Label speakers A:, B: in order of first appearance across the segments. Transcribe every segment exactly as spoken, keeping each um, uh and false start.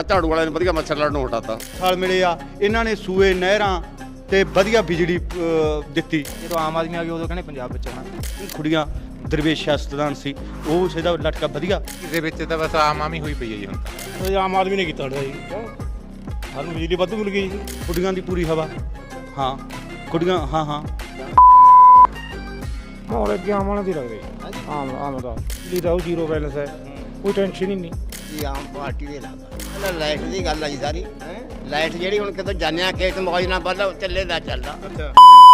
A: ਝਾੜੂ ਵਾਲਿਆਂ ਨੇ ਵਧੀਆ ਮੱਛਰ ਲੜਨ ਨੂੰ ਹਟਾਤਾ।
B: ਸਾਲ ਮਿਲੇ ਆ ਇਹਨਾਂ ਨੇ ਸੂਏ ਨਹਿਰਾਂ ਤੇ ਵਧੀਆ ਬਿਜਲੀ ਅ, ਦਿੱਤੀ।
C: ਜਦੋਂ ਆਮ ਆਦਮੀ ਆ ਗਿਆ ਉਦੋਂ ਕਹਿੰਦੇ ਪੰਜਾਬ ਵਿੱਚ ਆਉਣਾ।
B: ਕੁੜੀਆਂ ਦਰਵੇਸ਼ ਸਿਆਸਤਦਾਨ ਸੀ, ਉਹ ਸਿਹਦਾ ਲਟਕਾ ਵਧੀਆ।
D: ਇਹਦੇ ਵਿੱਚ ਤਾਂ ਬਸ ਆਮ ਆਮ ਹੀ ਹੋਈ ਪਈ ਹੈ ਜੀ ਹੁਣ ਤਾਂ।
C: ਇਹ ਆਮ ਆਦਮੀ ਨੇ ਕੀਤਾ ਹੁੰਦਾ ਜੀ, ਸਾਨੂੰ ਬਿਜਲੀ ਵਾਧੂ ਮਿਲ ਗਈ ਜੀ।
B: ਕੁੜੀਆਂ ਦੀ ਪੂਰੀ ਹਵਾ, ਹਾਂ ਕੁੜੀਆਂ, ਹਾਂ ਹਾਂ
C: ਮਾਹੌਲ ਅੱਗੇ ਆਮ ਵਾਲਾ ਦੀ ਲੱਗਦੇ ਆਮ ਆਮ ਦਾ ਲੀਦਾ ਉਹ ਜ਼ੀਰੋ ਬੈਲੈਂਸ ਹੈ, ਕੋਈ ਟੈਨਸ਼ਨ ਹੀ ਨਹੀਂ
E: ਜੀ। ਆਮ ਪਾਰਟੀ ਦੇ ਲੱਗਦਾ ਪਹਿਲਾਂ ਲਾਈਟ ਦੀ ਗੱਲ ਆਈ ਸਾਰੀ। ਲਾਈਟ ਜਿਹੜੀ ਹੁਣ ਕਿਤੋਂ ਜਾਣਿਆ ਖੇਤ ਮੌਜ ਨਾਲ ਪਹਿਲਾਂ ਚੱਲੇ ਦਾ ਚੱਲਦਾ।
B: ਅੱਛਾ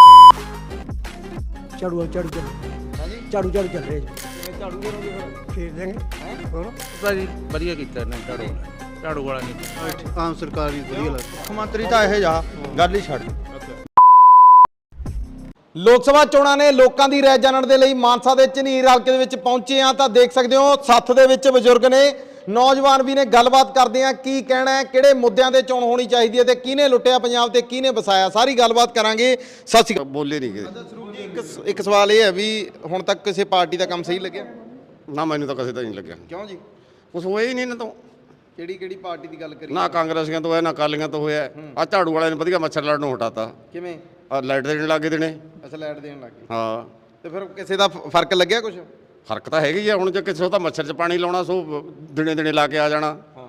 F: ਝਾੜੂ ਝਾੜੂ ਚੱਲ
E: ਹਾਂਜੀ
F: ਝਾੜੂ ਝਾੜੂ ਚੱਲ ਰਿਹਾ ਜੀ।
E: ਝਾੜੂ ਕਰੋਗੇ ਫਿਰ
F: ਫੇਰ ਦੇਂਗੇ ਹੋਰ
D: ਭਾਜੀ ਵਧੀਆ ਕੀਤਾ ਨੇ ਝਾੜੂ ਝਾੜੂ ਵਾਲਾ ਨਹੀਂ।
B: ਆਮ ਸਰਕਾਰ ਵੀ ਵਧੀਆ ਲੱਗਦੀ। ਮੁੱਖ ਮੰਤਰੀ ਤਾਂ ਇਹ ਜਾ ਗੱਲ ਹੀ ਛੱਡ।
G: ਲੋਕ ਸਭਾ ਚੋਣਾਂ ਨੇ ਲੋਕਾਂ ਦੀ ਰਾਏ ਜਾਣਨ ਦੇ ਲਈ ਮਾਨਸਾ ਦੇ ਝਨੀਰ ਹਲਕੇ ਦੇ ਵਿੱਚ ਪਹੁੰਚੇ ਆ ਤਾਂ ਦੇਖ ਸਕਦੇ ਹੋ ਸੱਥ ਦੇ ਵਿੱਚ ਬਜ਼ੁਰਗ ਨੇ, ਨੌਜਵਾਨ ਵੀ ਨੇ। ਗੱਲਬਾਤ ਕਰਦੇ ਆ ਕੀ ਕਹਿਣਾ ਹੈ, ਕਿਹੜੇ ਮੁੱਦਿਆਂ ਤੇ ਚੋਣ ਹੋਣੀ ਚਾਹੀਦੀ ਹੈ ਤੇ ਕਿਹਨੇ ਲੁੱਟਿਆ ਪੰਜਾਬ ਤੇ ਕਿਹਨੇ ਵਸਾਇਆ, ਸਾਰੀ ਗੱਲਬਾਤ ਕਰਾਂਗੇ। ਸਤਿ ਸ਼੍ਰੀ ਅਕਾਲ।
A: ਬੋਲੇ ਨਹੀਂ ਗਏ।
G: ਇੱਕ ਇੱਕ ਸਵਾਲ ਇਹ ਹੈ ਵੀ ਹੁਣ ਤੱਕ ਕਿਸੇ ਪਾਰਟੀ ਦਾ ਕੰਮ ਸਹੀ ਲੱਗਿਆ?
A: ਨਾ ਮੈਨੂੰ ਤਾਂ ਕਿਸੇ ਦਾ ਨਹੀਂ ਲੱਗਿਆ।
G: ਕਿਉਂ ਜੀ?
A: ਕੁਛ ਹੋਇਆ ਹੀ ਨਹੀਂ ਇਹਨਾਂ ਤੋਂ।
G: ਕਿਹੜੀ ਕਿਹੜੀ ਪਾਰਟੀ ਦੀ ਗੱਲ ਕਰੀ?
A: ਨਾ ਕਾਂਗਰਸੀਆਂ ਤੋਂ ਹੋਇਆ ਨਾ ਅਕਾਲੀਆਂ ਤੋਂ ਹੋਇਆ। ਆ ਝਾੜੂ ਵਾਲਿਆਂ ਨੇ ਵਧੀਆ ਮੱਛਰ ਲੜਨ ਨੂੰ ਹਟਾਤਾ।
G: ਕਿਵੇਂ?
A: ਆ ਲਾਈਟ ਦੇਣ ਲੱਗੇ ਦੇਣੇ।
G: ਅੱਛਾ ਲਾਈਟ ਦੇਣ ਲੱਗ ਗਏ।
A: ਹਾਂ
G: ਤੇ ਫਿਰ ਕਿਸੇ ਦਾ ਫ- ਫਰਕ ਲੱਗਿਆ ਕੁਝ?
A: ਫਰਕ ਤਾਂ ਹੈਗੀ ਆ। ਹੁਣ ਜੇ ਕਿਸੇ ਤਾਂ ਮੱਛਰ 'ਚ ਪਾਣੀ ਲਾਉਣਾ ਸੋ ਦਿਨੇ ਦਿਨੇ ਲਾ ਕੇ ਆ ਜਾਣਾ।
G: ਹਾਂ।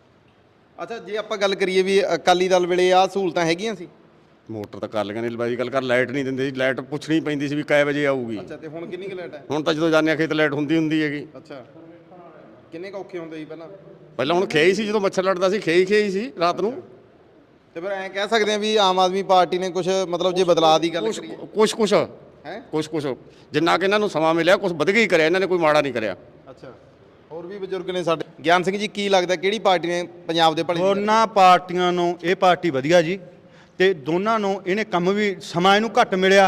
G: ਅੱਛਾ ਜੇ ਆਪਾਂ ਗੱਲ ਕਰੀਏ ਵੀ ਅਕਾਲੀ ਦਲ ਵੇਲੇ ਆ ਸਹੂਲਤਾਂ ਹੈਗੀਆਂ ਸੀ?
A: ਮੋਟਰ ਤਾਂ ਕਾਲੀਆਂ ਨੇ ਲਵਾਈ ਗੱਲ ਕਰ, ਲਾਈਟ ਨਹੀਂ ਦਿੰਦੇ ਸੀ। ਲਾਈਟ ਪੁੱਛਣੀ ਪੈਂਦੀ ਸੀ ਵੀ ਕਾਏ ਵਜੇ ਆਊਗੀ।
G: ਅੱਛਾ ਤੇ ਹੁਣ ਕਿੰਨੀ ਕੁ ਲਾਈਟ ਹੈ?
A: ਹੁਣ ਤਾਂ ਜਦੋਂ ਜਾਂਦੇ ਆ ਖੇਤ ਲਾਈਟ ਹੁੰਦੀ ਹੁੰਦੀ ਹੈਗੀ।
G: ਅੱਛਾ ਕਿੰਨੇ ਕੁ ਔਖੇ ਹੁੰਦੇ ਸੀ ਪਹਿਲਾਂ?
A: ਪਹਿਲਾਂ ਹੁਣ ਖੇਈ ਸੀ, ਜਦੋਂ ਮੱਛਰ ਲੜਦਾ ਸੀ ਖੇਈ ਖੇਈ ਸੀ ਰਾਤ ਨੂੰ।
G: ਤੇ ਫਿਰ ਐਂ ਕਹਿ ਸਕਦੇ ਆ ਵੀ ਆਮ ਆਦਮੀ ਪਾਰਟੀ ਨੇ ਕੁਝ ਮਤਲਬ ਜੇ ਬਦਲਾਅ ਦੀ ਗੱਲ
A: ਕੁਛ
G: ਕਰੀਏ
A: ਕੁਛ ਕੁਛ
G: ਹੈ?
A: ਕੁਛ ਕੁਛ ਜਿੰਨਾ ਕਿ ਇਹਨਾਂ ਨੂੰ ਸਮਾਂ ਮਿਲਿਆ ਕੁਛ ਵਧੀਆ ਹੀ ਕਰਿਆ ਇਹਨਾਂ ਨੇ, ਕੋਈ ਮਾੜਾ ਨਹੀਂ ਕਰਿਆ।
G: ਅੱਛਾ ਹੋਰ ਵੀ ਬਜ਼ੁਰਗ ਨੇ ਸਾਡੇ। ਗਿਆਨ ਸਿੰਘ ਜੀ ਕੀ ਲੱਗਦਾ ਕਿਹੜੀ ਪਾਰਟੀ ਨੇ ਪੰਜਾਬ ਦੇ ਭਲੇ ਦੀ ਗੱਲ-
B: ਦੋਨਾਂ ਪਾਰਟੀਆਂ ਨੂੰ ਇਹ ਪਾਰਟੀ ਵਧੀਆ ਜੀ, ਤੇ ਦੋਨਾਂ ਨੂੰ ਇਹਨੇ ਕੰਮ ਵੀ ਸਮਾਂ ਇਹਨੂੰ ਘੱਟ ਮਿਲਿਆ।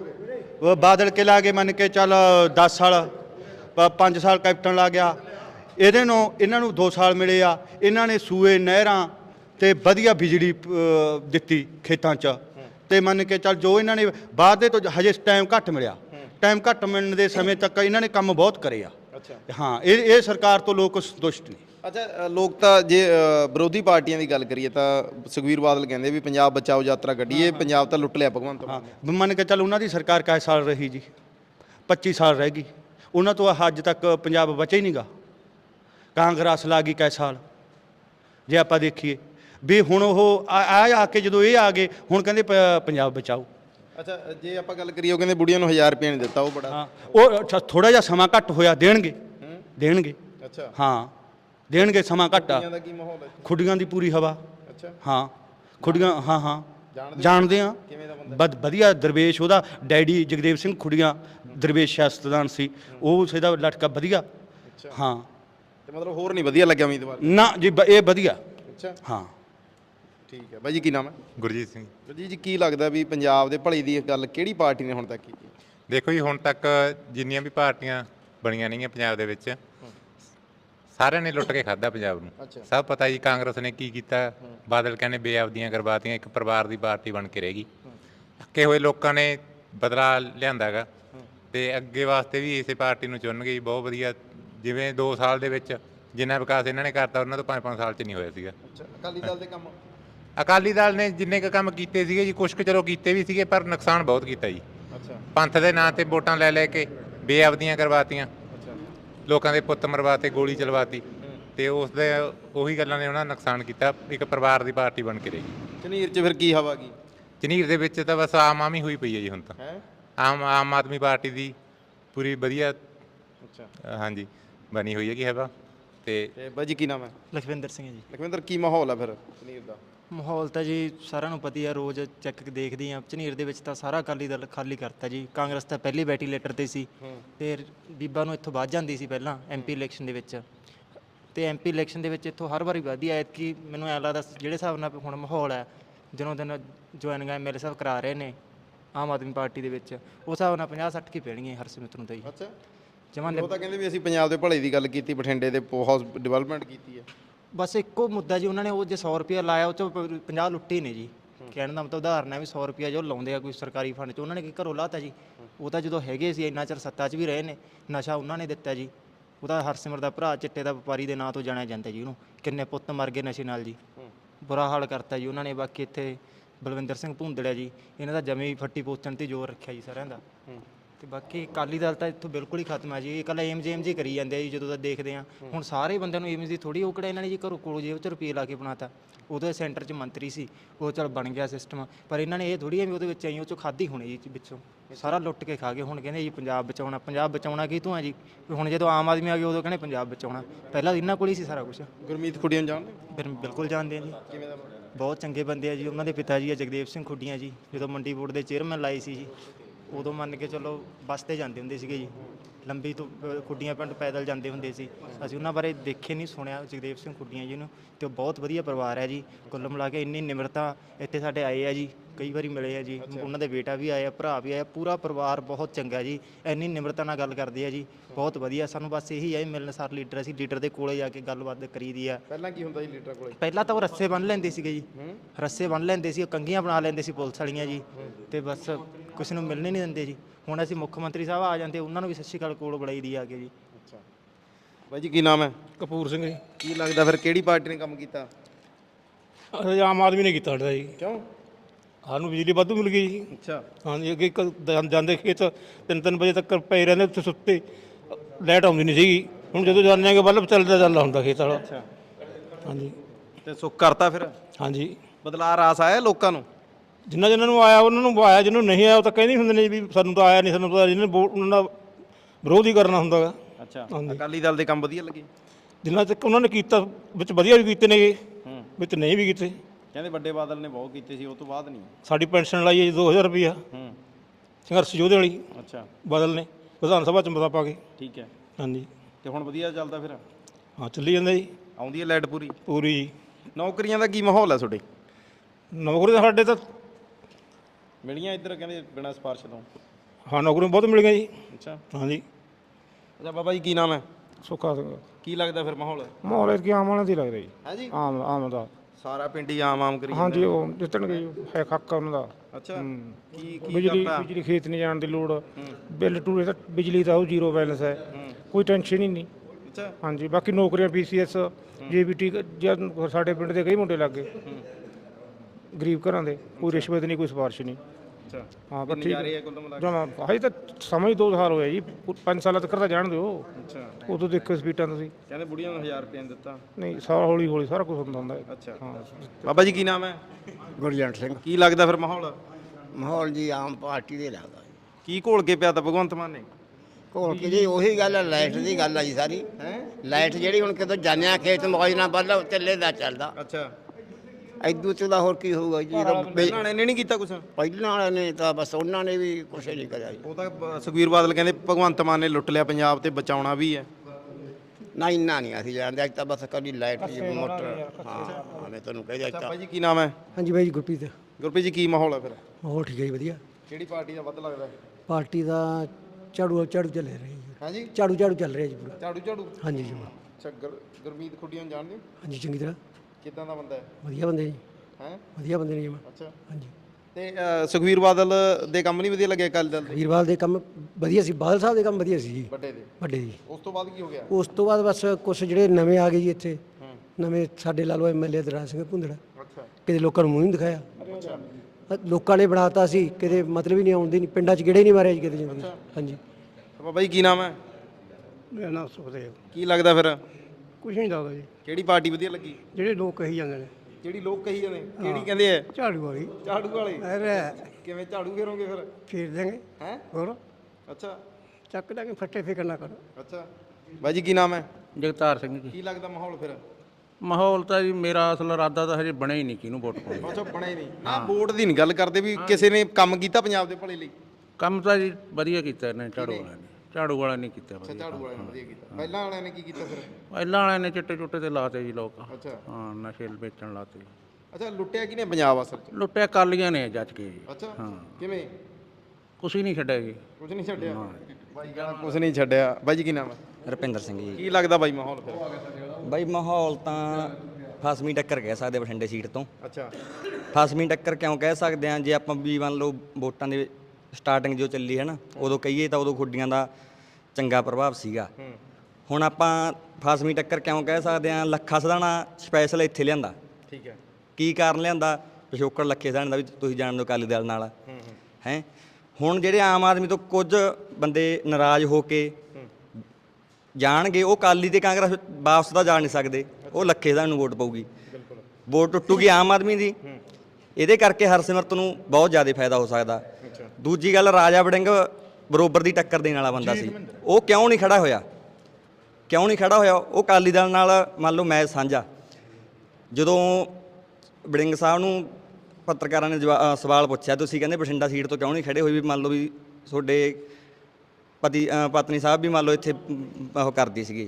B: ਉਹ ਬਾਦਲ ਕੇ ਲਾ ਕੇ ਮੰਨ ਕੇ ਚੱਲ ਦਸ ਸਾਲ, ਪੰਜ ਸਾਲ ਕੈਪਟਨ ਲਾ ਗਿਆ। ਇਹਦੇ ਨੂੰ ਇਹਨਾਂ ਨੂੰ ਦੋ ਸਾਲ ਮਿਲੇ ਆ। ਇਹਨਾਂ ਨੇ ਸੂਏ ਨਹਿਰਾਂ ਤੇ ਵਧੀਆ ਬਿਜਲੀ ਅ, ਦਿੱਤੀ ਖੇਤਾਂ 'ਚ। ਤੇ ਮੰਨ ਕੇ ਚੱਲ ਜੋ ਇਹਨਾਂ ਨੇ ਬਾਅਦ ਦੇ ਤੋਂ ਹਜੇ ਟਾਈਮ ਘੱਟ ਮਿਲਿਆ, ਟਾਈਮ ਘੱਟ ਮਿਲਣ ਦੇ ਸਮੇਂ ਤੱਕ ਇਹਨਾਂ ਨੇ ਕੰਮ ਬਹੁਤ ਕਰੇ ਆ।
G: ਅੱਛਾ
B: ਹਾਂ ਇਹ ਇਹ ਸਰਕਾਰ ਤੋਂ ਲੋਕ ਸੰਤੁਸ਼ਟ ਨੇ।
G: ਅੱਛਾ ਅ, ਲੋਕ ਤਾਂ ਜੇ ਅ, ਵਿਰੋਧੀ ਪਾਰਟੀਆਂ ਦੀ ਗੱਲ ਕਰੀਏ ਤਾਂ ਸੁਖਬੀਰ ਬਾਦਲ ਕਹਿੰਦੇ ਵੀ ਪੰਜਾਬ ਬਚਾਓ ਯਾਤਰਾ ਕੱਢੀਏ, ਪੰਜਾਬ ਤਾਂ ਲੁੱਟ ਲਿਆ ਭਗਵੰਤ ਮਾਨ ਨੇ।
B: ਹਾਂ ਮੰਨ ਕੇ ਚੱਲ ਉਹਨਾਂ ਦੀ ਸਰਕਾਰ ਕਾਏ ਸਾਲ ਰਹੀ ਜੀ? ਪੱਚੀ ਸਾਲ ਰਹਿ ਗਈ। ਉਹਨਾਂ ਤੋਂ ਅੱਜ ਤੱਕ ਪੰਜਾਬ ਬਚਿਆ ਹੀ ਨਹੀਂਗਾ। ਕਾਂਗਰਸ ਲਾ ਗਈ ਕਾਏ ਸਾਲ ਜੇ ਆਪਾਂ ਦੇਖੀਏ ਵੀ ਹੁਣ ਉਹ ਆ ਆ ਆ ਕੇ ਜਦੋਂ ਇਹ ਆ ਗਏ ਹੁਣ ਕਹਿੰਦੇ ਪ- ਪੰਜਾਬ ਬਚਾਓ।
G: ਅੱਛਾ ਜੇ ਆਪਾਂ ਗੱਲ ਕਰੀਏ ਉਹ ਕਹਿੰਦੇ ਬੁੜੀਆਂ ਨੂੰ ਹਜ਼ਾਰ ਰੁਪਏ ਨਹੀਂ ਦਿੱਤਾ, ਉਹ ਬੜਾ।
B: ਹਾਂ ਉਹ ਥੋੜਾ ਜਿਹਾ ਸਮਾਂ ਘੱਟ ਹੋਇਆ, ਦੇਣਗੇ ਦੇਣਗੇ
G: ਅੱਛਾ
B: ਹਾਂ ਦੇਣਗੇ, ਸਮਾਂ ਘੱਟ ਆ।
G: ਕੁੜੀਆਂ ਦਾ ਕੀ ਮਾਹੌਲ ਹੈ?
B: ਖੁੱਡੀਆਂ ਦੀ ਪੂਰੀ ਹਵਾ,
G: ਅੱਛਾ
B: ਹਾਂ ਖੁੱਡੀਆਂ, ਹਾਂ ਹਾਂ ਜਾਣਦੇ ਆ।
G: ਕਿਵੇਂ ਦਾ ਬੰਦਾ?
B: ਬਦ ਵਧੀਆ ਦਰਵੇਸ਼, ਉਹਦਾ ਡੈਡੀ ਜਗਦੇਵ ਸਿੰਘ ਖੁੱਡੀਆਂ ਦਰਵੇਸ਼ ਸਿਆਸਤਦਾਨ ਸੀ, ਉਹ ਸਿਹਦਾ ਲਟਕਾ ਵਧੀਆ। ਹਾਂ
G: ਤੇ ਮਤਲਬ ਹੋਰ ਨਹੀਂ ਵਧੀਆ ਲੱਗਿਆ ਉਮੀਦਵਾਰ?
B: ਨਾ ਜੀ ਬ- ਇਹ ਵਧੀਆ।
G: ਅੱਛਾ
B: ਹਾਂ
G: ਠੀਕ ਹੈ ਬਾਈ ਜੀ ਕੀ ਨਾਮ ਹੈ?
D: ਗੁਰਜੀਤ ਸਿੰਘ।
G: ਜੀ ਜੀ ਕੀ ਲੱਗਦਾ ਵੀ ਪੰਜਾਬ ਦੇ ਭਲੇ ਦੀ ਗੱਲ ਕਿਹੜੀ ਪਾਰਟੀ ਨੇ ਹੁਣ ਤੱਕ ਕੀਤੀ?
D: ਦੇਖੋ ਜੀ ਹੁਣ ਤੱਕ ਜਿੰਨੀਆਂ ਵੀ ਪਾਰਟੀਆਂ ਬਣੀਆਂ ਨੇਗੀਆਂ ਪੰਜਾਬ ਦੇ ਵਿੱਚ ਸਾਰਿਆਂ ਨੇ ਲੁੱਟ ਕੇ ਖਾਧਾ ਪੰਜਾਬ ਨੂੰ।
G: ਅੱਛਾ।
D: ਸਭ ਪਤਾ ਜੀ ਕਾਂਗਰਸ ਨੇ ਕੀ ਕੀਤਾ। ਬਾਦਲ ਕਹਿੰਦੇ ਬੇਅਬਦੀਆਂ ਕਰਵਾਤੀਆਂ, ਇੱਕ ਪਰਿਵਾਰ ਦੀ ਪਾਰਟੀ ਬਣ ਕੇ ਰਹਿ ਗਈ। ਅੱਕੇ ਹੋਏ ਲੋਕਾਂ ਨੇ ਬਦਲਾ ਲਿਆਂਦਾ ਗਾ ਤੇ ਅੱਗੇ ਵਾਸਤੇ ਵੀ ਇਸੇ ਪਾਰਟੀ ਨੂੰ ਚੁਣਨਗੇ ਜੀ। ਬਹੁਤ ਵਧੀਆ, ਜਿਵੇਂ ਦੋ ਸਾਲ ਦੇ ਵਿੱਚ ਜਿੰਨਾ ਵਿਕਾਸ ਇਹਨਾਂ ਨੇ ਕਰਤਾ ਉਹਨਾਂ ਤੋਂ ਪੰਜ ਪੰਜ ਸਾਲ 'ਚ ਨਹੀਂ ਹੋਇਆ ਸੀਗਾ।
G: ਅੱਛਾ ਅਕਾਲੀ ਦਲ ਦੇ ਕੰਮ?
D: ਅਕਾਲੀ ਦਲ ਨੇ ਜਿੰਨੇ ਕੁ ਕੰਮ ਕੀਤੇ ਸੀਗੇ ਜੀ, ਕੁਛ ਕੁ ਚਲੋ ਕੀਤੇ ਵੀ ਸੀਗੇ ਪਰ ਨੁਕਸਾਨ ਬਹੁਤ ਕੀਤਾ ਜੀ।
G: ਅੱਛਾ
D: ਪੰਥ ਦੇ ਨਾਂ ਤੇ ਵੋਟਾਂ ਲੈ ਲੈ ਕੇ ਬੇਅਬਦੀਆਂ ਕਰਵਾਤੀਆਂ,
G: ਅੱਛਾ
D: ਲੋਕਾਂ ਦੇ ਪੁੱਤ ਮਰਵਾਤੇ, ਗੋਲੀ ਚਲਵਾਤੀ ਤੇ ਉਸ ਦੇ ਉਹੀ ਗੱਲਾਂ ਨੇ ਉਹਨਾਂ ਨੁਕਸਾਨ ਕੀਤਾ। ਇੱਕ ਪਰਿਵਾਰ ਦੀ ਪਾਰਟੀ ਬਣ ਕੇ ਰਹੀ।
G: ਝਨੀਰ 'ਚ ਫਿਰ ਕੀ ਹਵਾ ਗਈ?
D: ਝਨੀਰ ਦੇ ਵਿੱਚ ਤਾਂ ਬਸ ਆਮ ਆਮ ਹੀ ਹੋਈ ਪਈ ਹੈ ਜੀ ਹੁਣ ਤਾਂ।
G: ਹੈ
D: ਆਮ ਆਮ ਆਦਮੀ ਪਾਰਟੀ ਦੀ ਪੂਰੀ ਵਧੀਆ
G: ਅੱਛਾ
D: ਅ, ਹਾਂਜੀ ਬਣੀ ਹੋਈ ਹੈ ਕਿ ਹੈਗਾ। ਤੇ
G: ਤੇ ਬਾਈ ਜੀ ਕੀ ਨਾਮ ਹੈ?
C: ਲਖਵਿੰਦਰ ਸਿੰਘ ਜੀ।
G: ਲਖਵਿੰਦਰ ਕੀ ਮਾਹੌਲ ਹੈ ਫਿਰ ਝਨੀਰ ਦਾ?
C: ਮਾਹੌਲ ਤਾਂ ਜੀ ਸਾਰਿਆਂ ਨੂੰ ਪਤਾ ਹੀ ਆ, ਰੋਜ਼ ਚੈੱਕ ਦੇਖਦੀ ਆ। ਝਨੀਰ ਦੇ ਵਿੱਚ ਤਾਂ ਸਾਰਾ ਅਕਾਲੀ ਦਲ ਖਾਲੀ ਕਰਤਾ ਜੀ। ਕਾਂਗਰਸ ਤਾਂ ਪਹਿਲੀ ਵੈਟੀਲੇਟਰ ਤੇ ਸੀ ਤੇ ਬੀਬਾ ਨੂੰ ਇੱਥੋਂ ਵੱਧ ਜਾਂਦੀ ਸੀ ਪਹਿਲਾਂ ਐਮਪੀ ਇਲੈਕਸ਼ਨ ਦੇ ਵਿੱਚ। ਤੇ ਐਮਪੀ ਇਲੈਕਸ਼ਨ ਦੇ ਵਿੱਚ ਇੱਥੋਂ ਹਰ ਵਾਰੀ ਵਧਦੀ ਆ। ਐਤਕੀ ਮੈਨੂੰ ਐਂ ਲੱਗਦਾ ਜਿਹੜੇ ਹਿਸਾਬ ਨਾਲ ਹੁਣ ਮਾਹੌਲ ਹੈ, ਦਿਨੋਂ ਦਿਨ ਜੁਆਇਨਿੰਗ ਐਮਐਲਏ ਸਾਹਿਬ ਕਰਾ ਰਹੇ ਨੇ ਆਮ ਆਦਮੀ ਪਾਰਟੀ ਦੇ ਵਿੱਚ, ਉਸ ਹਿਸਾਬ ਨਾਲ ਪੰਜਾਹ ਸੱਠ ਕੀ ਪੈਣਗੀਆਂ ਹਰਸਿਮਰਤ ਨੂੰ ਤਾਂ ਜੀ।
G: ਅੱਛਾ
C: ਜਮਾਂ
G: ਉਹ ਤਾਂ ਕਹਿੰਦੇ ਵੀ ਅਸੀਂ ਪੰਜਾਬ ਦੇ ਭਲੇ ਦੀ ਗੱਲ ਕੀਤੀ, ਬਠਿੰਡੇ ਦੇ ਹਾਊਸ ਡਿਵੈਲਪਮੈਂਟ ਕੀਤੀ ਹੈ।
C: ਬਸ ਇੱਕੋ ਮੁੱਦਾ ਜੀ, ਉਹਨਾਂ ਨੇ ਉਹ ਜੇ ਸੌ ਰੁਪਇਆ ਲਾਇਆ ਉਹ 'ਚੋਂ ਪੰਜਾਹ ਲੁੱਟੀ ਨੇ ਜੀ। ਕਹਿਣ ਦਾ ਮਤਲਬ ਉਦਾਹਰਨ ਹੈ ਵੀ ਸੌ ਰੁਪਇਆ ਜੋ ਲਾਉਂਦੇ ਆ ਕੋਈ ਸਰਕਾਰੀ ਫੰਡ 'ਚ, ਉਹਨਾਂ ਨੇ ਕੀ ਘਰੋਂ ਲਾਤਾ ਜੀ। ਉਹ ਤਾਂ ਜਦੋਂ ਹੈਗੇ ਸੀ ਇੰਨਾ ਚਿਰ ਸੱਤਾ 'ਚ ਵੀ ਰਹੇ ਨੇ, ਨਸ਼ਾ ਉਹਨਾਂ ਨੇ ਦਿੱਤਾ ਜੀ। ਉਹਦਾ ਹਰਸਿਮਰ ਦਾ ਭਰਾ ਚਿੱਟੇ ਦਾ ਵਪਾਰੀ ਦੇ ਨਾਂ ਤੋਂ ਜਾਣਿਆ ਜਾਂਦਾ ਜੀ ਉਹਨੂੰ। ਕਿੰਨੇ ਪੁੱਤ ਮਰ ਗਏ ਨਸ਼ੇ ਨਾਲ ਜੀ, ਬੁਰਾ ਹਾਲ ਕਰਤਾ ਜੀ ਉਹਨਾਂ ਨੇ। ਬਾਕੀ ਇੱਥੇ ਬਲਵਿੰਦਰ ਸਿੰਘ ਭੁੰਦੜਿਆ ਜੀ, ਇਹਨਾਂ ਦਾ ਜਮੀ ਫੱਟੀ ਪੋਚਣ ਤੇ ਜ਼ੋਰ ਰੱਖਿਆ ਜੀ ਸਾਰਿਆਂ ਦਾ। ਤੇ ਬਾਕੀ ਅਕਾਲੀ ਦਲ ਤਾਂ ਇੱਥੋਂ ਬਿਲਕੁਲ ਹੀ ਖਤਮ ਹੈ ਜੀ। ਇਹ ਕੱਲਾ ਏਮ ਜੇਮ ਜੀ ਕਰੀ ਜਾਂਦੇ ਆ ਜੀ ਜਦੋਂ ਦਾ ਦੇਖਦੇ ਆ। ਹੁਣ ਸਾਰੇ ਬੰਦਿਆਂ ਨੂੰ ਏਮਜ ਦੀ ਥੋੜੀ ਉਹ ਕਿਹੜਾ ਇਹਨਾਂ ਨੇ ਜੀ ਘਰੋਂ ਕੋਲ ਜੇਬ 'ਚ ਰੁਪਏ ਲਾ ਕੇ ਬਣਾਤਾ। ਉਦੋਂ ਸੈਂਟਰ 'ਚ ਮੰਤਰੀ ਸੀ, ਉਹ ਚੱਲ ਬਣ ਗਿਆ ਸਿਸਟਮ, ਪਰ ਇਹਨਾਂ ਨੇ ਇਹ ਥੋੜੀ ਆ ਵੀ ਉਹਦੇ ਵਿੱਚ ਆਈ ਉਹ 'ਚੋਂ ਖਾਧੀ ਹੋਣੀ ਜੀ ਵਿੱਚੋਂ ਸਾਰਾ ਲੁੱਟ ਕੇ ਖਾ ਗਏ। ਹੁਣ ਕਹਿੰਦੇ ਜੀ ਪੰਜਾਬ ਬਚਾਉਣਾ, ਪੰਜਾਬ ਬਚਾਉਣਾ ਕੀ ਤੂੰ ਆ ਜੀ। ਹੁਣ ਜਦੋਂ ਆਮ ਆਦਮੀ ਆ ਗਏ ਉਦੋਂ ਕਹਿੰਦੇ ਪੰਜਾਬ ਬਚਾਉਣਾ, ਪਹਿਲਾਂ ਇਹਨਾਂ ਕੋਲ ਹੀ ਸੀ ਸਾਰਾ ਕੁਝ।
B: ਗੁਰਮੀਤ ਖੁੱਡੀਆਂ ਨੂੰ ਜਾਣਦੇ?
C: ਫਿਰ ਬਿਲਕੁਲ ਜਾਣਦੇ ਆ ਜੀ,
B: ਕਿਵੇਂ ਦਾ?
C: ਬਹੁਤ ਚੰਗੇ ਬੰਦੇ ਆ ਜੀ। ਉਹਨਾਂ ਦੇ ਪਿਤਾ ਜੀ ਆ ਜਗਦੇਵ ਸਿੰਘ ਖੁੱਡੀਆਂ ਜੀ, ਜਦੋਂ ਮੰਡੀ ਬੋਰਡ ਦੇ ਚੇਅਰਮੈਨ ਲਾਏ ਸੀ ਜੀ, ਉਦੋਂ ਮੰਨ ਕੇ ਚਲੋ ਬੱਸ 'ਤੇ ਜਾਂਦੇ ਹੁੰਦੇ ਸੀਗੇ ਜੀ, ਲੰਬੀ ਤੋਂ ਅ, ਖੁੱਡੀਆਂ ਪਿੰਡ ਪੈਦਲ ਜਾਂਦੇ ਹੁੰਦੇ ਸੀ। ਅਸੀਂ ਉਹਨਾਂ ਬਾਰੇ ਦੇਖੇ ਨਹੀਂ ਸੁਣਿਆ ਜਗਦੇਵ ਸਿੰਘ ਖੁੱਡੀਆਂ ਜੀ ਨੂੰ, ਤੇ ਉਹ ਬਹੁਤ ਵਧੀਆ ਪਰਿਵਾਰ ਹੈ ਜੀ। ਕੁੱਲ ਮਿਲਾ ਕੇ ਇੰਨੀ ਨਿਮਰਤਾ, ਇੱਥੇ ਸਾਡੇ ਆਏ ਆ ਜੀ, ਕਈ ਵਾਰੀ ਮਿਲੇ ਆ ਜੀ, ਉਹਨਾਂ ਦੇ ਬੇਟਾ ਵੀ ਆਇਆ, ਭਰਾ ਵੀ ਆਇਆ, ਪੂਰਾ ਪਰਿਵਾਰ ਬਹੁਤ ਚੰਗਾ ਜੀ। ਇੰਨੀ ਨਿਮਰਤਾ ਨਾਲ ਗੱਲ ਕਰਦੇ ਆ ਜੀ, ਬਹੁਤ ਵਧੀਆ। ਸਾਨੂੰ ਬਸ ਇਹੀ ਹੈ ਮਿਲਣਸਾਰ ਲੀਡਰ, ਅਸੀਂ ਲੀਡਰ ਦੇ ਕੋਲੇ ਜਾ ਕੇ ਗੱਲਬਾਤ ਕਰੀਦੀ ਆ।
B: ਪਹਿਲਾਂ ਕੀ ਹੁੰਦਾ ਜੀ ਲੀਡਰ ਕੋਲੇ?
C: ਪਹਿਲਾਂ ਤਾਂ ਉਹ ਰੱਸੇ ਬੰਨ੍ਹ ਲੈਂਦੇ ਸੀਗੇ ਜੀ, ਰੱਸੇ ਬੰਨ੍ਹ ਲੈਂਦੇ ਸੀ, ਉਹ ਕੰਘੀਆਂ ਬਣਾ ਲੈਂਦੇ ਸੀ ਪੁਲਿਸ ਵਾਲੀਆਂ ਜੀ, ਤੇ ਬਸ ਕਿਸੇ ਨੂੰ ਮਿਲਣੇ ਨਹੀਂ ਦਿੰਦੇ ਜੀ। ਹੁਣ ਅਸੀਂ ਮੁੱਖ ਮੰਤਰੀ ਸਾਹਿਬ ਆ ਜਾਂਦੇ, ਉਹਨਾਂ ਨੂੰ ਵੀ ਸਤਿ ਸ਼੍ਰੀ ਅਕਾਲ ਕੋਲ ਬੁਲਾਈ ਦੀ ਆ ਕੇ ਜੀ।
B: ਅੱਛਾ ਬਾਈ ਜੀ ਕੀ ਨਾਮ ਹੈ?
H: ਕਪੂਰ ਸਿੰਘ ਜੀ।
B: ਕੀ ਲੱਗਦਾ ਫਿਰ ਕਿਹੜੀ ਪਾਰਟੀ ਨੇ ਕੰਮ ਕੀਤਾ?
H: ਅਸੀਂ ਆਮ ਆਦਮੀ ਨੇ ਕੀਤਾ ਸਾਡਾ ਜੀ।
B: ਕਿਉਂ?
H: ਸਾਨੂੰ ਬਿਜਲੀ ਵਾਧੂ ਮਿਲ ਗਈ ਜੀ।
B: ਅੱਛਾ
H: ਹਾਂਜੀ, ਅੱਗੇ ਇੱਕ ਜਾਂ- ਜਾਂਦੇ ਖੇਤ ਤਿੰਨ ਤਿੰਨ ਵਜੇ ਤੱਕ ਪਏ ਰਹਿੰਦੇ ਉੱਥੇ ਸੁੱਤੇ, ਲਾਈਟ ਆਉਂਦੀ ਨਹੀਂ ਸੀਗੀ। ਹੁਣ ਜਦੋਂ ਜਾਂਦੇ ਆਂਗੇ ਬੱਲਬ ਚੱਲਦਾ ਚੱਲਦਾ ਹੁੰਦਾ ਖੇਤ ਵਾਲਾ।
B: ਅੱਛਾ
H: ਹਾਂਜੀ
B: ਤੇ ਸੁੱਖ ਕਰਤਾ ਫਿਰ?
H: ਹਾਂਜੀ,
B: ਬਦਲਾਅ ਰਾਸ ਆਇਆ ਲੋਕਾਂ ਨੂੰ?
H: ਜਿੰਨਾ ਜਿਨ੍ਹਾਂ ਨੂੰ ਆਇਆ ਉਹਨਾਂ ਨੂੰ ਆਇਆ, ਜਿਹਨੂੰ ਨਹੀਂ ਆਇਆ ਉਹ ਤਾਂ ਕਹਿੰਦੇ ਹੁੰਦੇ ਨੇ ਵੀ ਸਾਨੂੰ ਤਾਂ ਆਇਆ ਨਹੀਂ, ਸਾਨੂੰ ਤਾਂ ਜਿਹਨਾਂ ਨੇ ਵੋਟ ਉਹਨਾਂ ਦਾ ਵਿਰੋਧ ਹੀ ਕਰਨਾ ਹੁੰਦਾ ਗਾ।
B: ਅੱਛਾ
H: ਹਾਂਜੀ।
B: ਅਕਾਲੀ ਦਲ ਦੇ ਕੰਮ ਵਧੀਆ ਲੱਗੇ?
H: ਜਿੰਨਾ ਤੱਕ ਉਹਨਾਂ ਨੇ ਕੀਤਾ ਵਿੱਚ ਵਧੀਆ ਵੀ ਕੀਤੇ ਨੇਗੇ, ਵਿੱਚ ਨਹੀਂ ਵੀ ਕੀਤੇ।
B: ਕਹਿੰਦੇ ਵੱਡੇ ਬਾਦਲ ਨੇ ਬਹੁਤ ਕੀਤੇ ਸੀ, ਉਹ ਤੋਂ ਬਾਅਦ ਨਹੀਂ।
H: ਸਾਡੀ ਪੈਨਸ਼ਨ ਲਾਈ ਹੈ ਜੀ ਦੋ ਹਜ਼ਾਰ ਰੁਪਈਆ
B: ਹੂੰ
H: ਸੰਘਰਸ਼ ਯੋਧੇ ਵਾਲੀ,
B: ਅੱਛਾ
H: ਬਾਦਲ ਨੇ ਵਿਧਾਨ ਸਭਾ ਚ ਮਤਾ ਪਾ ਕੇ।
B: ਠੀਕ ਹੈ।
H: ਹਾਂਜੀ
B: ਤੇ ਹੁਣ ਵਧੀਆ ਚੱਲਦਾ ਫਿਰ?
H: ਹਾਂ, ਚੱਲੀ ਜਾਂਦਾ ਜੀ
B: ਆਉਂਦੀ ਹੈ ਲਾਈਟ ਪੂਰੀ?
H: ਪੂਰੀ ਜੀ।
B: ਨੌਕਰੀਆਂ ਦਾ ਕੀ ਮਾਹੌਲ ਹੈ ਤੁਹਾਡੇ?
H: ਨੌਕਰੀ ਤਾਂ ਸਾਡੇ ਤਾਂ
B: ਮਿਲੀਆਂ ਇੱਧਰ ਕਹਿੰਦੇ ਬਿਨਾਂ ਸਿਫਾਰਿਸ਼ ਤੋਂ?
H: ਹਾਂ, ਨੌਕਰੀਆਂ ਬਹੁਤ ਮਿਲ ਗਈਆਂ ਜੀ।
B: ਅੱਛਾ
H: ਹਾਂਜੀ।
B: ਅੱਛਾ ਬਾਬਾ ਜੀ ਕੀ ਨਾਮ ਹੈ?
F: ਸੁੱਖਾ ਸਿੰਘ
B: ਕੀ ਲੱਗਦਾ ਫਿਰ ਮਾਹੌਲ?
F: ਮਾਹੌਲ ਇਸ ਕੀ ਆਮ ਵਾਲਿਆਂ ਦੀ ਲੱਗਦਾ ਜੀ।
B: ਹੈ ਜੀ
F: ਆਮ ਆਮ ਦਾ
B: ਸਾਰਾ ਪਿੰਡ ਹੀ ਆਮ ਆਮ ਕਰੀ
F: ਹਾਂਜੀ, ਉਹ ਜਿੱਤਣਗੇ ਜੀ, ਹੈ ਹੱਕ ਉਹਨਾਂ ਦਾ।
B: ਅੱਛਾ ਕੀ ਕੀ
F: ਬਿਜਲੀ
B: ਕਰਤਾ?
F: ਬਿਜਲੀ ਖੇਤ ਨਹੀਂ ਜਾਣ ਦੀ ਲੋੜ, ਬਿੱਲ ਟੂਰੇ ਤਾਂ ਬਿਜਲੀ ਦਾ ਉਹ ਜ਼ੀਰੋ ਬੈਲੈਂਸ ਹੈ, ਕੋਈ ਟੈਨਸ਼ਨ ਹੀ ਨਹੀਂ।
B: ਅੱਛਾ
F: ਹਾਂਜੀ, ਬਾਕੀ ਨੌਕਰੀਆਂ ਪੀਸੀਐਸ ਜੀਬੀਟੀ ਜਦ ਸਾਡੇ ਪਿੰਡ ਦੇ ਕਈ ਮੁੰਡੇ ਲੱਗ ਗਏ ਗਰੀਬ ਘਰਾਂ ਦੇ, ਕੋਈ ਰਿਸ਼ਵਤ ਨਹੀਂ, ਕੋਈ ਸਿਫਾਰਿਸ਼ ਨਹੀਂ।
B: ਅੱਛਾ
F: ਹਾਂ ਬਸ ਠੀਕ
B: ਨਜ਼ਾਰੇ ਆ ਕੁੱਲ ਮਿਲਾ ਕੇ?
F: ਜਮਾ ਹਜੇ ਤਾਂ ਸਮਾਂ ਹੀ ਦੋ ਸਾਲ ਹੋਇਆ ਜੀ, ਪੰਜ ਸਾਲਾਂ ਤੱਕ ਤਾਂ ਜਾਣ ਦਿਓ।
B: ਅੱਛਾ
F: ਉਦੋਂ ਦੇਖੋ ਸਪੀਟਾਂ ਤੁਸੀਂ।
B: ਕਹਿੰਦੇ ਬੁੜੀਆਂ ਨੂੰ ਹਜ਼ਾਰ ਰੁਪਏ ਦਿੱਤਾ?
F: ਨਹੀਂ, ਸਾਰਾ ਹੌਲੀ ਹੌਲੀ ਸਾਰਾ ਕੁਝ ਹੁੰਦਾ ਹੁੰਦਾ ਹੈ।
B: ਅੱਛਾ
F: ਹਾਂ
B: ਬਾਬਾ ਜੀ ਕੀ ਨਾਮ ਹੈ?
E: ਗੁਰਜੰਟ ਸਿੰਘ।
B: ਕੀ ਲੱਗਦਾ ਫਿਰ ਮਾਹੌਲ?
E: ਮਾਹੌਲ ਜੀ ਆਮ ਪਾਰਟੀ ਦੇ ਲੱਗਦਾ ਜੀ।
B: ਕੀ ਘੋਲ ਕੇ ਪਿਆ ਤਾਂ ਭਗਵੰਤ ਮਾਨ ਨੇ?
E: ਕੋਲ ਕੇ ਜੀ ਉਹੀ ਗੱਲ ਹੈ, ਲਾਈਟ ਦੀ ਗੱਲ ਆ ਜੀ ਸਾਰੀ। ਲਾਈਟ ਜਿਹੜੀ ਹੁਣ ਕਿਤੋਂ ਜਾਂਦੇ ਆ ਖੇਤ ਮੌਜ ਨਾਲ ਬੱਲ ਚੱਲੇ ਦਾ ਚੱਲਦਾ।
B: ਅੱਛਾ
E: ਐਦੂ ਤੋਂ ਦਾ ਹੋਰ ਕੀ ਹੋਊਗਾ ਜੀ। ਜਦੋਂ ਬੇ-
B: ਪਹਿਲਾਂ ਵਾਲੇ ਨੇ ਨਹੀਂ ਕੀਤਾ ਕੁਛ?
E: ਪਹਿਲਾਂ ਵਾਲਿਆਂ ਨੇ ਤਾਂ ਬਸ ਉਹਨਾਂ ਨੇ ਵੀ ਕੁਛ ਨਹੀਂ ਕਰਿਆ ਜੀ।
B: ਉਹ ਤਾਂ ਬ- ਸੁਖਬੀਰ ਬਾਦਲ ਕਹਿੰਦੇ ਭਗਵੰਤ ਮਾਨ ਨੇ ਲੁੱਟ ਲਿਆ ਪੰਜਾਬ ਤੇ ਬਚਾਉਣਾ ਵੀ ਹੈ।
E: ਨਾ ਇੰਨਾ ਨਹੀਂ ਅਸੀਂ ਜਾਣਦੇ, ਅੱਜ ਤਾਂ ਬਸ ਕਦੀ ਲਾਈਟ ਦੀ ਮੋਟਰ। ਹਾਂ ਮੈਂ ਤੁਹਾਨੂੰ ਕਹਿ
B: ਅੱਛਾ
E: ਦਿੱਤਾ।
B: ਬਾਈ ਜੀ ਕੀ ਨਾਮ ਹੈ?
F: ਹਾਂਜੀ ਬਾਈ ਜੀ, ਗੁਰਪ੍ਰੀਤ।
B: ਗੁਰਪ੍ਰੀਤ ਜੀ ਕੀ ਮਾਹੌਲ ਹੈ ਫਿਰ?
F: ਮਾਹੌਲ ਠੀਕ ਹੈ ਜੀ, ਵਧੀਆ।
B: ਕਿਹੜੀ ਪਾਰਟੀ ਦਾ ਵੱਧ ਲੱਗਦਾ?
F: ਪਾਰਟੀ ਦਾ ਝਾੜੂ ਝਾੜੂ ਚੱਲ ਰਿਹਾ ਜੀ,
B: ਹਾਂਜੀ
F: ਝਾੜੂ ਝਾੜੂ ਚੱਲ ਰਿਹਾ ਜੀ ਪੂਰਾ।
B: ਝਾੜੂ ਝਾੜੂ?
F: ਹਾਂਜੀ ਜੀ,
B: ਅੱਛਾ ਗੁਰ- ਗੁਰਮੀਤ ਖੁੱਡੀਆਂ ਨੂੰ ਜਾਣਦੇ ਹੋ?
F: ਹਾਂਜੀ ਚੰਗੀ ਤਰ੍ਹਾਂ।
B: ਕਿੱਦਾਂ ਦਾ ਬੰਦਾ ਹੈ?
F: ਵਧੀਆ ਬੰਦੇ ਜੀ,
B: ਹੈ
F: ਵਧੀਆ ਬੰਦੇ ਨੇ ਜੀ।
B: ਅੱਛਾ
F: ਹਾਂਜੀ,
B: ਤੇ ਅ, ਸੁਖਬੀਰ ਬਾਦਲ ਦੇ ਕੰਮ ਨਹੀਂ ਵਧੀਆ ਲੱਗੇ ਅਕਾਲੀ ਦਲ ਦੇ
F: ਵੀਰਵਾਲ ਦੇ ਕੰਮ ਵਧੀਆ ਸੀ, ਬਾਦਲ ਸਾਹਿਬ ਦੇ ਕੰਮ ਵਧੀਆ ਸੀ ਜੀ,
B: ਵੱਡੇ ਦੇ?
F: ਵੱਡੇ ਜੀ।
B: ਉਸ ਤੋਂ ਬਾਅਦ ਕੀ ਹੋ ਗਿਆ?
F: ਉਸ ਤੋਂ ਬਾਅਦ ਬਸ ਕੁਝ ਜਿਹੜੇ ਨਵੇਂ ਆ ਗਏ ਜੀ ਇੱਥੇ, ਨਵੇਂ ਸਾਡੇ ਲਾ ਲਓ ਐਮਐਲਏ ਦਰਾਜ ਸਿੰਘ ਭੁੰਦੜਾ,
B: ਅੱਛਾ
F: ਕਿਤੇ ਲੋਕਾਂ ਨੂੰ ਮੂੰਹ ਨਹੀਂ ਦਿਖਾਇਆ।
B: ਅੱਛਾ
F: ਅ, ਲੋਕਾਂ ਨੇ ਬਣਾਤਾ ਸੀ, ਕਿਤੇ ਮਤਲਬ ਹੀ ਨਹੀਂ ਆਉਂਦੀ, ਨਹੀਂ ਪਿੰਡਾਂ 'ਚ ਗੇੜੇ ਨਹੀਂ ਮਾਰਿਆ ਜੀ ਕਿਤੇ ਜ਼ਿੰਦਗੀ 'ਚ। ਹਾਂਜੀ।
B: ਬਾਬਾ ਜੀ ਕੀ ਨਾਮ ਹੈ?
F: ਮੇਰਾ ਨਾਮ ਸੁਖਦੇਵ।
B: ਕੀ ਲੱਗਦਾ ਫਿਰ
F: ਕੁਝ ਨਹੀਂ ਦੱਸਦਾ ਜੀ,
B: ਕਿਹੜੀ ਪਾਰਟੀ ਵਧੀਆ ਲੱਗੀ?
F: ਜਿਹੜੇ ਲੋਕ ਕਹੀ ਜਾਂਦੇ ਨੇ
B: ਜਿਹੜੀ ਲੋਕ ਕਹੀ ਜਾਂਦੇ ਕਿਹੜੀ ਕਹਿੰਦੇ ਆ?
F: ਝਾੜੂ ਵਾਲੀ।
B: ਝਾੜੂ ਵਾਲੇ?
F: ਅਰੇ
B: ਕਿਵੇਂ ਝਾੜੂ ਫੇਰੋਗੇ ਫਿਰ?
F: ਫੇਰ ਦੇਂਗੇ
B: ਹੈ
F: ਹੋਰ,
B: ਅੱਛਾ
F: ਚੱਕ ਲੈ ਕੇ ਫੱਟੇ ਫਿਕਰ ਨਾ ਕਰੋ।
B: ਅੱਛਾ ਬਾਈ ਜੀ ਕੀ ਨਾਮ ਹੈ?
I: ਜਗਤਾਰ ਸਿੰਘ ਜੀ।
B: ਕੀ ਲੱਗਦਾ ਮਾਹੌਲ ਫਿਰ?
I: ਮਾਹੌਲ ਤਾਂ ਜੀ ਮੇਰਾ ਅਸਲ ਇਰਾਦਾ ਤਾਂ ਹਜੇ ਬਣਿਆ ਹੀ ਨਹੀਂ ਕਿਹਨੂੰ ਵੋਟ ਪਾਉਣੀ।
B: ਅੱਛਾ ਬਣੇ ਹੀ ਨਹੀਂ ਨਾ, ਵੋਟ ਦੀ ਨਹੀਂ ਗੱਲ ਕਰਦੇ ਵੀ ਕਿਸੇ ਨੇ ਕੰਮ ਕੀਤਾ ਪੰਜਾਬ ਦੇ ਭਲੇ ਲਈ।
I: ਕੰਮ ਤਾਂ ਜੀ ਵਧੀਆ ਕੀਤਾ ਇਹਨੇ ਝਾੜੂ ਵਾਲਿਆਂ ਨੇ, ਝਾੜੂ ਵਾਲਿਆਂ ਨੇ ਕੀਤਾ
B: ਅੱਛਾ
I: ਵਧੀਆ।
B: ਝਾੜੂ ਵਾਲਿਆਂ ਨੇ ਵਧੀਆ ਕੀਤਾ। ਪਹਿਲਾਂ ਵਾਲਿਆਂ ਨੇ ਕੀ ਕੀਤਾ ਫਿਰ?
I: ਪਹਿਲਾਂ ਵਾਲਿਆਂ ਨੇ ਚਿੱਟੇ ਚੁੱਟੇ ਤੇ ਲਾਤੇ ਜੀ ਲੋਕ।
B: ਅੱਛਾ
I: ਹਾਂ, ਨਸ਼ੇ ਵੇਚਣ ਲਾਤੇ।
B: ਅੱਛਾ ਲੁੱਟਿਆ ਕਿਹਨੇ ਪੰਜਾਬ ਅਸਲ 'ਚ?
I: ਲੁੱਟਿਆ ਕਾਲੀਆਂ ਨੇ ਜੱਜ ਕੇ ਜੀ।
B: ਅੱਛਾ
I: ਹਾਂ।
B: ਕਿਵੇਂ?
I: ਕੁਛ ਹੀ ਨਹੀਂ ਛੱਡਿਆ ਜੀ।
B: ਕੁਝ ਨਹੀਂ ਛੱਡਿਆ ਬਾਈ ਕਹਿੰਦਾ ਕੁਝ ਨਹੀਂ ਛੱਡਿਆ। ਬਾਈ ਜੀ ਕੀ ਨਾਮ ਹੈ?
J: ਰੁਪਿੰਦਰ ਸਿੰਘ ਜੀ।
B: ਕੀ ਲੱਗਦਾ ਬਾਈ ਮਾਹੌਲ ਫਿਰ?
J: ਬਾਈ ਮਾਹੌਲ ਤਾਂ ਫਸਵੀਂ ਟੱਕਰ ਕਹਿ ਸਕਦੇ ਬਠਿੰਡੇ ਸੀਟ ਤੋਂ।
B: ਅੱਛਾ
J: ਫਸਵੀਂ ਟੱਕਰ ਕਿਉਂ ਕਹਿ ਸਕਦੇ ਹਾਂ, ਜੇ ਆਪਾਂ ਵੀ ਮੰਨ ਲਓ ਵੋਟਾਂ ਦੇ ਸਟਾਰਟਿੰਗ ਜੋ ਚੱਲੀ ਹੈ ਨਾ, ਉਦੋਂ ਕਹੀਏ ਤਾਂ ਉਦੋਂ ਖੁੱਡੀਆਂ ਦਾ ਚੰਗਾ ਪ੍ਰਭਾਵ ਸੀਗਾ। ਹੁਣ ਆਪਾਂ ਫਾਸਮੀ ਟੱਕਰ ਕਿਉਂ ਕਹਿ ਸਕਦੇ ਹਾਂ? ਲੱਖਾ ਸਧਾਣਾ ਸਪੈਸ਼ਲ ਇੱਥੇ ਲਿਆਂਦਾ।
G: ਠੀਕ ਹੈ।
J: ਕੀ ਕਾਰਨ ਲਿਆਂਦਾ? ਪਿਛੋਕੜ ਲੱਖੇ ਸਧਾਣੇ ਦਾ ਵੀ ਤੁਸੀਂ ਜਾਣਦੇ ਹੋ ਅਕਾਲੀ ਦਲ ਨਾਲ ਹੈ। ਹੁਣ ਜਿਹੜੇ ਆਮ ਆਦਮੀ ਤੋਂ ਕੁਝ ਬੰਦੇ ਨਾਰਾਜ਼ ਹੋ ਕੇ ਜਾਣਗੇ, ਉਹ ਅਕਾਲੀ ਤੇ ਕਾਂਗਰਸ ਵਾਪਸ ਤਾਂ ਜਾ ਨਹੀਂ ਸਕਦੇ, ਉਹ ਲੱਖੇ ਸਧਾਣੇ ਨੂੰ ਵੋਟ ਪਊਗੀ, ਵੋਟ ਟੁੱਟੂਗੀ ਆਮ ਆਦਮੀ ਦੀ। ਇਹਦੇ ਕਰਕੇ ਹਰਸਿਮਰਤ ਨੂੰ ਬਹੁਤ ਜ਼ਿਆਦਾ ਫਾਇਦਾ ਹੋ ਸਕਦਾ। ਦੂਜੀ ਗੱਲ, ਰਾਜਾ ਵੜਿੰਗ ਬਰੋਬਰ ਦੀ ਟੱਕਰ ਦੇਣ ਵਾਲਾ ਬੰਦਾ ਸੀ, ਉਹ ਕਿਉਂ ਨਹੀਂ ਖੜਾ ਹੋਇਆ? ਕਿਉਂ ਨਹੀਂ ਖੜਾ ਹੋਇਆ? ਉਹ ਅਕਾਲੀ ਦਲ ਨਾਲ ਮੰਨ ਲਓ ਮੈਚ ਸਾਂਝਾ। ਜਦੋਂ ਵੜਿੰਗ ਸਾਹਿਬ ਨੂੰ ਪੱਤਰਕਾਰਾਂ ਨੇ ਜਵਾ ਸਵਾਲ ਪੁੱਛਿਆ, ਤੁਸੀਂ ਕਹਿੰਦੇ ਬਠਿੰਡਾ ਸੀਟ ਤੋਂ ਕਿਉਂ ਨਹੀਂ ਖੜੇ ਹੋਏ, ਵੀ ਮੰਨ ਲਓ ਵੀ ਤੁਹਾਡੇ ਪਤੀ ਪਤਨੀ ਸਾਹਿਬ ਵੀ ਮੰਨ ਲਓ ਇੱਥੇ ਉਹ ਕਰਦੀ ਸੀਗੀ,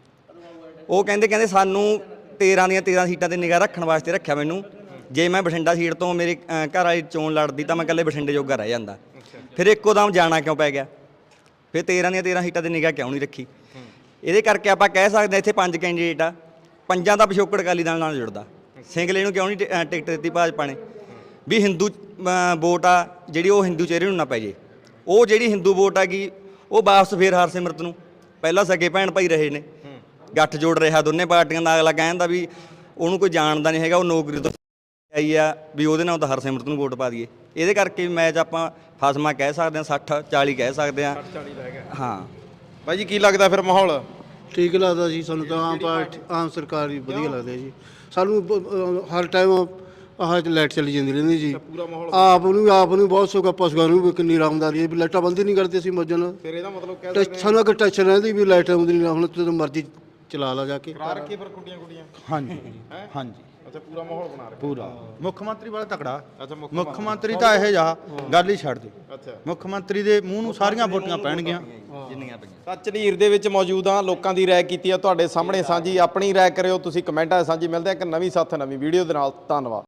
J: ਉਹ ਕਹਿੰਦੇ ਕਹਿੰਦੇ ਸਾਨੂੰ ਤੇਰਾਂ ਦੀਆਂ ਤੇਰਾਂ ਸੀਟਾਂ 'ਤੇ ਨਿਗਾਹ ਰੱਖਣ ਵਾਸਤੇ ਰੱਖਿਆ ਮੈਨੂੰ। ਜੇ ਮੈਂ ਬਠਿੰਡਾ ਸੀਟ ਤੋਂ ਮੇਰੇ ਘਰ ਵਾਲੀ ਚੋਣ ਲੜਦੀ ਤਾਂ ਮੈਂ ਇਕੱਲੇ ਬਠਿੰਡੇ ਜੋਗਾ ਰਹਿ ਜਾਂਦਾ। ਫਿਰ ਇੱਕੋ ਦਮ ਜਾਣਾ ਕਿਉਂ ਪੈ ਗਿਆ? ਫਿਰ ਤੇਰਾਂ ਦੀਆਂ ਤੇਰਾਂ ਸੀਟਾਂ 'ਤੇ ਨਿਗਾਹ ਕਿਉਂ ਨਹੀਂ ਰੱਖੀ? ਇਹਦੇ ਕਰਕੇ ਆਪਾਂ ਕਹਿ ਸਕਦੇ ਹਾਂ ਇੱਥੇ ਪੰਜ ਕੈਂਡੀਡੇਟ ਆ, ਪੰਜਾਂ ਦਾ ਪਿਛੋਕੜ ਅਕਾਲੀ ਦਲ ਨਾਲ ਜੁੜਦਾ। ਸਿੰਗਲੇ ਨੂੰ ਕਿਉਂ ਨਹੀਂ ਟਿ- ਟਿਕਟ ਦਿੱਤੀ ਭਾਜਪਾ ਨੇ? ਵੀ ਹਿੰਦੂ ਵੋਟ ਆ ਜਿਹੜੀ, ਉਹ ਹਿੰਦੂ ਚਿਹਰੇ ਨੂੰ ਨਾ ਪੈ ਜੇ। ਉਹ ਜਿਹੜੀ ਹਿੰਦੂ ਵੋਟ ਆ ਗਈ, ਉਹ ਵਾਪਸ ਫੇਰ ਹਰਸਿਮਰਤ ਨੂੰ, ਪਹਿਲਾਂ ਸਕੇ ਭੈਣ ਭਾਈ ਰਹੇ ਨੇ, ਗੱਠ ਜੋੜ ਰਿਹਾ ਦੋਨੇ ਪਾਰਟੀਆਂ ਦਾ। ਅਗਲਾ ਕਹਿੰਦਾ ਵੀ ਉਹਨੂੰ ਕੋਈ ਜਾਣਦਾ ਨਹੀਂ ਹੈਗਾ, ਉਹ ਨੌਕਰੀ ਤੋਂ ਆਈ ਆ, ਵੀ ਉਹਦੇ ਨਾਲ ਤਾਂ ਹਰਸਿਮਰਤ ਨੂੰ ਵੋਟ ਪਾ ਦਈਏ। ਇਹਦੇ ਕਰਕੇ ਮੈਚ ਆਪਾਂ ਫਸਮਾ ਕਹਿ ਸਕਦੇ ਹਾਂ, ਸੱਠ ਚਾਲੀ ਕਹਿ ਸਕਦੇ ਹਾਂ। ਹਾਂ
G: ਬਾਈ ਜੀ ਕੀ ਲੱਗਦਾ ਫਿਰ ਮਾਹੌਲ?
H: ਠੀਕ ਲੱਗਦਾ ਜੀ ਸਾਨੂੰ ਤਾਂ। ਆਮ ਪਾਰਟੀ ਆਮ ਸਰਕਾਰ ਹੀ ਵਧੀਆ ਲੱਗਦੀ ਹੈ ਜੀ ਸਾਨੂੰ। ਬ- ਅਹ ਹਰ ਟਾਈਮ ਆਹ ਲਾਈਟ ਚਲੀ ਜਾਂਦੀ ਰਹਿੰਦੀ ਜੀ। ਆਪ ਨੂੰ ਆਪ ਨੂੰ ਬਹੁਤ ਸੁੱਖ ਆ, ਪਸ਼ੂਆਂ ਨੂੰ ਵੀ ਕਿੰਨੀ ਆਰਾਮਦਾਰੀ ਹੈ ਵੀ ਲਾਈਟਾਂ ਬੰਦ ਹੀ ਨਹੀਂ ਕਰਦੇ ਅਸੀਂ ਮੌਜਾਂ ਨਾਲ।
G: ਫਿਰ ਇਹਦਾ ਮਤਲਬ ਕਹਿ
H: ਟੈ- ਸਾਨੂੰ ਅਗਰ ਟੈਨਸ਼ਨ ਰਹਿੰਦੀ ਵੀ ਲਾਈਟ ਆਉਂਦੀ ਨਹੀਂ, ਹੁਣ ਜਦੋਂ ਮਰਜ਼ੀ ਚਲਾ ਲਾ ਜਾ ਕੇ।
G: ਕਰਾ ਰੱਖੀ ਫਿਰ ਕੁੜੀਆਂ ਕੁੜੀਆਂ।
B: ਹਾਂਜੀ ਹਾਂਜੀ
G: ਅੱਛਾ, ਪੂਰਾ ਮਾਹੌਲ ਬਣਾ ਰੱਖਿਆ।
B: ਪੂਰਾ ਮੁੱਖ ਮੰਤਰੀ ਵਾਲਾ ਤਕੜਾ।
G: ਅੱਛਾ, ਮੁੱਖ
B: ਮੁੱਖ ਮੰਤਰੀ ਤਾਂ ਇਹ ਜਾ ਗੱਲ ਹੀ ਛੱਡ ਦੇ।
G: ਅੱਛਾ।
B: ਮੁੱਖ ਮੰਤਰੀ ਦੇ ਮੂੰਹ ਨੂੰ ਸਾਰੀਆਂ ਵੋਟਾਂ ਪੈਣਗੀਆਂ।
J: ਜਿੰਨੀਆਂ ਪਈਆਂ।
G: ਤਾਂ ਝਨੀਰ ਦੇ ਵਿੱਚ ਮੌਜੂਦ ਹਾਂ, ਲੋਕਾਂ ਦੀ ਰਾਏ ਕੀਤੀ ਆ ਤੁਹਾਡੇ ਸਾਹਮਣੇ ਸਾਂਝੀ। ਆਪਣੀ ਰਾਏ ਕਰਿਓ ਤੁਸੀਂ ਕਮੈਂਟਾਂ 'ਚ ਸਾਂਝੀ। ਮਿਲਦੇ ਆ ਇੱਕ ਨਵੀਂ ਸਾਥ ਨਵੀਂ ਵੀਡੀਓ ਦੇ ਨਾਲ। ਧੰਨਵਾਦ।